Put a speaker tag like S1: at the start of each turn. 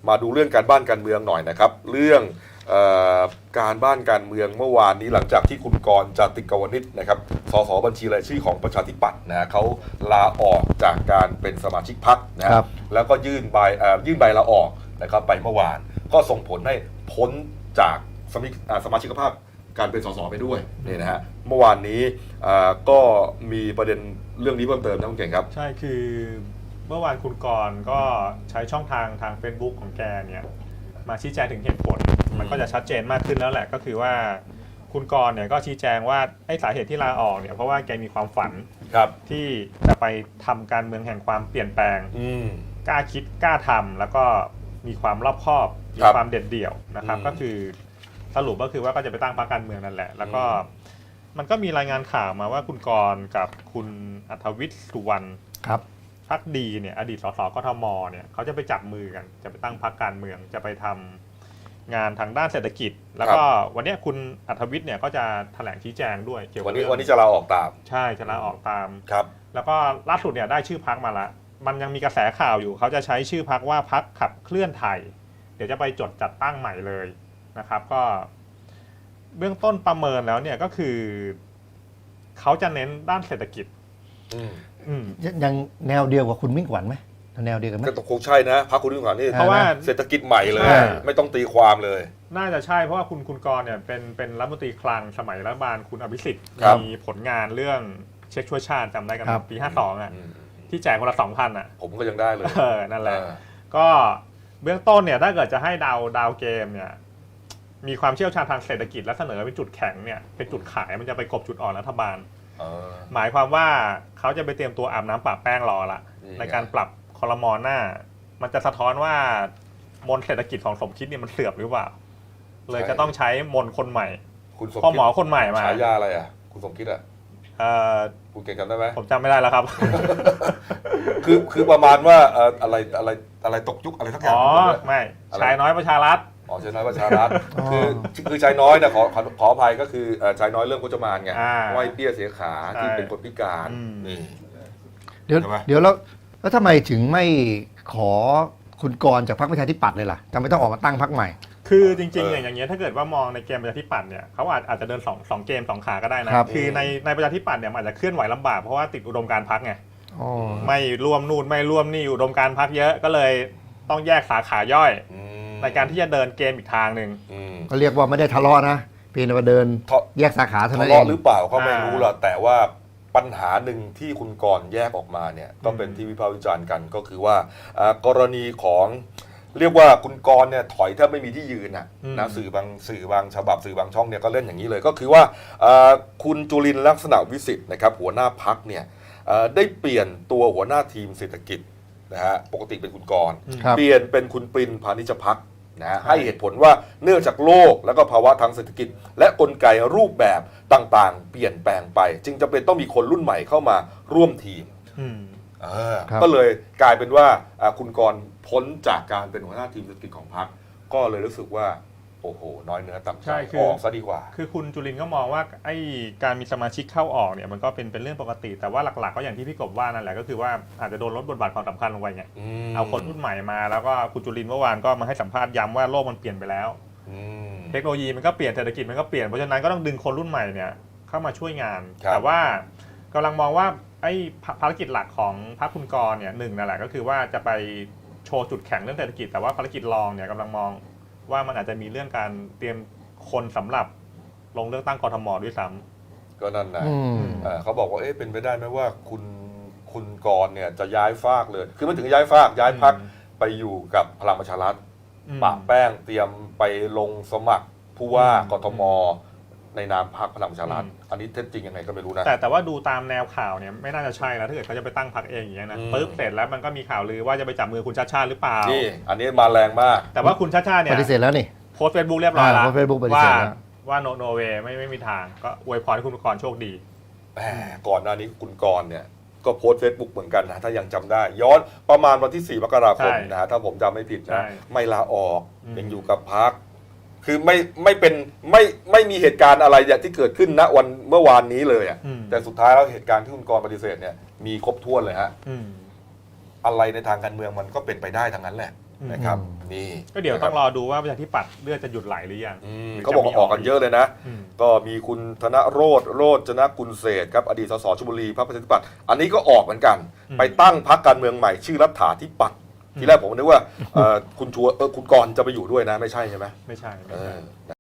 S1: มาดูเรื่องการบ้านการเมืองหน่อยนะครับเรื่องการบ้านการเมืองเมื่อวานนี้หลังจากที่คุณกรณ์จติกาวนิชนะครับสสบัญชีรายชื่อของประชาธิปัตย์นะเขาลาออกจากการเป็นสมาชิกพรรคนะครับแล้วก็ยื่นใบลาออกนะครับไปเมื่อวานก็ส่งผลให้พ้นจากสมาชิกภาพการเป็นสสไปด้วยนี่นะฮะเมื่อวานนี้ก็มีประเด็นเรื่องนี้เพิ่มเติมนะคุณเก่งครับ
S2: ใช่คือเมื่อวานคุณกรณ์ก็ใช้ช่องทางFacebook ของแกเนี่ยมาชี้แจงถึงเหตุผลมันก็จะชัดเจนมากขึ้นแล้วแหละก็คือว่าคุณกรณ์เนี่ยก็ชี้แจงว่าไอ้สาเหตุที่ลาออกเนี่ยเพราะว่าแกมีความฝันที่จะไปทำการเมืองแห่งความเปลี่ยนแปลงกล้าคิดกล้าทำแล้วก็มีความรอบคอบมีความเด็ดเดี่ยวนะครับก็คือสรุปก็คือว่าก็จะไปตั้งพรรคการเมืองนั่นแหละแล้วก็มันก็มีรายงานข่าวมาว่าคุณกรณ์กับคุณอัธวิทย์สุวรรณพรรคดีเนี่ยอดีตสสกทมเนี่ยเขาจะไปจับมือกันจะไปตั้งพรรคการเมืองจะไปทำงานทางด้านเศรษฐกิจแล้วก็วันนี้คุณอัธวิทย์เนี่ยก็จะแถลงชี้แจงด้วยเกี่ยวกับ
S1: วันนี้จะลาออกตาม
S2: ใช่จะลาออกตาม
S1: ครับ
S2: แล้วก็ล่าสุดเนี่ยได้ชื่อพรรคมาละมันยังมีกระแสข่าวอยู่เขาจะใช้ชื่อพรรคว่าพรรคขับเคลื่อนไทยเดี๋ยวจะไปจดจัดตั้งใหม่เลยนะครับก็เบื้องต้นประเมินแล้วเนี่ยก็คือเขาจะเน้นด้านเศรษฐกิจ
S3: ยังแนวเดียวกับคุณมิ่งขวัญไหมแนวเดียวกันไหม
S1: ก็คงใช่นะพรรคคุณมิ่งขวัญนี่เพราะว่าเศรษฐกิจใหม่เลยไม่ต้องตีความเลย
S2: น่าจะใช่เพราะว่าคุณกรณ์เนี่ยเป็นรัฐมนตรีคลังสมัยรัฐบาลคุณอภิสิทธิ์มีผลงานเรื่องเช็คช่วยชาติจำได้กันปี52อ่ะที่แจกคนละ 2,000 อ่ะ
S1: ผมก็ยังได้เลย
S2: นั่นแหละก็เบื้องต้นเนี่ยถ้าเกิดจะให้ดาวเกมเนี่ยมีความเชี่ยวชาญทางเศรษฐกิจและเสนอเป็นจุดแข็งเนี่ยเป็นจุดขายมันจะไปกบจุดอ่อนรัฐบาลหมายความว่าเขาจะไปเตรียมตัวอาบน้ำปะแป้งรอละในการปรับครม.หน้ามันจะสะท้อนว่ามนเศรษฐกิจของสมคิดเนี่ยมันเสื่อมหรือเปล่าเลยจะต้องใช้มนคนใหม่พ่อหมอคนใหม่มา
S1: ฉายาอะไรอ่ะคุณสมคิดอ่ะคุณเก่งจำได้ไหม
S2: ผมจำไม่ได้แล้วครับ
S1: คือประมาณว่าอะไรตกยุคอะไรทั้งอย่าง
S2: ไม่ชายน้อยประชารัฐ
S1: ชายน้อยประชารัฐคือชายน้อยนะขออภัยก็คือชายน้อยเรื่องพจมานไงไหวเปี้ยเสียขาที่เป็นคนพิการนี่
S3: เดี๋ยวแล้วทำไมถึงไม่ขอคุณกรณ์จากพรรคประชาธิปัตย์เลยล่ะจำไม่ต้องออกมาตั้งพรรคใหม่
S2: คือจริงๆอย่างเงี้ยถ้าเกิดว่ามองในเกมประชาธิปัตย์เนี่ยเขาอาจจะเดิน2เกม2ขาก็ได้นะคือในประชาธิปัตย์เนี่ยอาจจะเคลื่อนไหวลำบากเพราะว่าติดอุดมการณ์พรรคไงไม่ร่วมนู่นไม่ร่วมนี่อุดมการณ์พรรคเยอะก็เลยต้องแยกสาขาย่อยในการที่จะเดินเกมอีกทางหนึ่ง
S3: ก็เรียกว่าไม่ได้ทะเลาะนะเพียงแต่ว่าเดินแยกสาขาเท่านั้นเอง
S1: ทะเลาะหรือเปล่าเขาไม่รู้หรอกแต่ว่าปัญหาหนึ่งที่คุณกรณ์แยกออกมาเนี่ยก็เป็นที่วิพากษ์วิจารณ์กันก็คือว่ากรณีของเรียกว่าคุณกรณ์เนี่ยถอยแทบไม่มีที่ยืนนะสื่อบางฉบับสื่อบางช่องเนี่ยก็เล่นอย่างนี้เลยก็คือว่าคุณจุลินทร์ลักษณะวิสิทธิ์นะครับหัวหน้าพรรคเนี่ยได้เปลี่ยนตัวหัวหน้าทีมเศรษฐกิจนะฮะปกติเป็นคุณกรณ์เปลี่ยนเป็นคุณปรินพานิชพักนะให้เหตุผลว่าเนื่องจากโลกและก็ภาวะทางเศรษฐกิจและกลไกรูปแบบต่างๆเปลี่ยนแปลงไปจึงจำเป็นต้องมีคนรุ่นใหม่เข้ามาร่วมทีมก็เลยกลายเป็นว่าคุณกรณ์พ้นจากการเป็นหัวหน้าทีมเศรษฐกิจของพรรคก็เลยรู้สึกว่าโอ้โหน้อยเนื้อต่ำใจออกซะดีกว่า
S2: คือคุณจุลินทร์ก็มองว่าไอ้การมีสมาชิกเข้าออกเนี่ยมันก็เป็นเรื่องปกติแต่ว่าหลักๆก็อย่างที่พี่กบว่านั่นแหละก็คือว่าอาจจะโดนลดบทบาทความสำคัญลงไปไงเอาคนรุ่นใหม่มาแล้วก็คุณจุลินทร์เมื่อวานก็มาให้สัมภาษณ์ย้ำว่าโลกมันเปลี่ยนไปแล้วเทคโนโลยีมันก็เปลี่ยนเศรษฐกิจมันก็เปลี่ยนเพราะฉะนั้นก็ต้องดึงคนรุ่นใหม่เนี่ยเข้ามาช่วยงานแต่ว่ากำลังมองว่าไอ้ภารกิจหลักของพรรคคุณกรณ์เนี่ยหนึ่งนั่นแหละก็คือว่าจะไปโชว์จุดแข็งเรื่องเศรษฐกิจแต่ว่าภารกิจรองเนี่ยกำลังมองว่ามันอาจจะมีเรื่องการเตรียมคนสำหรับลงเลือกตั้งกทม.ด้วยซ้
S1: ำก็นั่นนะเขาบอกว่าเป็นไปได้ไหมว่าคุณกรณ์เนี่ยจะย้ายฟากเลยคือไม่ถึงย้ายฟากย้ายพรรคไปอยู่กับพลังประชารัฐปะแป้งเตรียมไปลงสมัครผู้ว่ากทม.ในนามพรรคพลังประชารัฐอันนี้เท็จจริงยังไงก็ไม่รู้นะ
S2: แต่ว่าดูตามแนวข่าวเนี่ยไม่น่าจะใช่แล้วถ้าเกิดเขาจะไปตั้งพรรคเองอย่างเงี้ยนะปึ๊บเสร็จแล้วมันก็มีข่าวลือว่าจะไปจับมือคุณชาติชาติหรือเปล่า
S1: นี่อันนี้มาแรงมาก
S2: แต่ว่าคุณชาติชาติเนี่ย
S3: ปฏิเสธแล้วนี่
S2: โพสต์เฟซบุ๊กเรียบร้อยแล้วว่าโนเวย์ไม่มีทางก็อวยพรให้คุณกรณ์โชคดี
S1: ก่อนหน้านี้คุณกรณ์เนี่ยก็โพสต์เฟซบุ๊กเหมือนกันนะถ้ายังจำได้ย้อนประมาณวันที่4 มกราคมนะถ้าผมจำไม่ผิดนะไม่ลาออกยังอยู่กับพรรคคือไม่มีเหตุการณ์อะไรที่เกิดขึ้นณวันเมื่อวานนี้เลยอ่ะแต่สุดท้ายแล้วเหตุการณ์ที่คุณกรณ์ปฏิเสธเนี่ยมีครบถ้วนเลยฮะอะไรในทางการเมืองมันก็เป็นไปได้ทั้งนั้นแหละนะครับนี่
S2: ก็เดี๋ยวต้องรอดูว่าประชาธิปัตย์เลือดจะหยุดไหลหรือยัง
S1: เขาบอกว่าออกกันเยอะเลยนะ
S2: อืม
S1: ก็มีคุณธนโรจนกุลเศรษฐ์ครับอดีตสสชลบุรีพรรคประชาธิปัตย์อันนี้ก็ออกเหมือนกัน ไปตั้งพรรคการเมืองใหม่ชื่อรัฐาธิปัตย์ทีแรกผมนึกว่าคุณกรณ์จะไปอยู่ด้วยนะไม่ใช่ใช่ไหม
S2: ไม่ใช่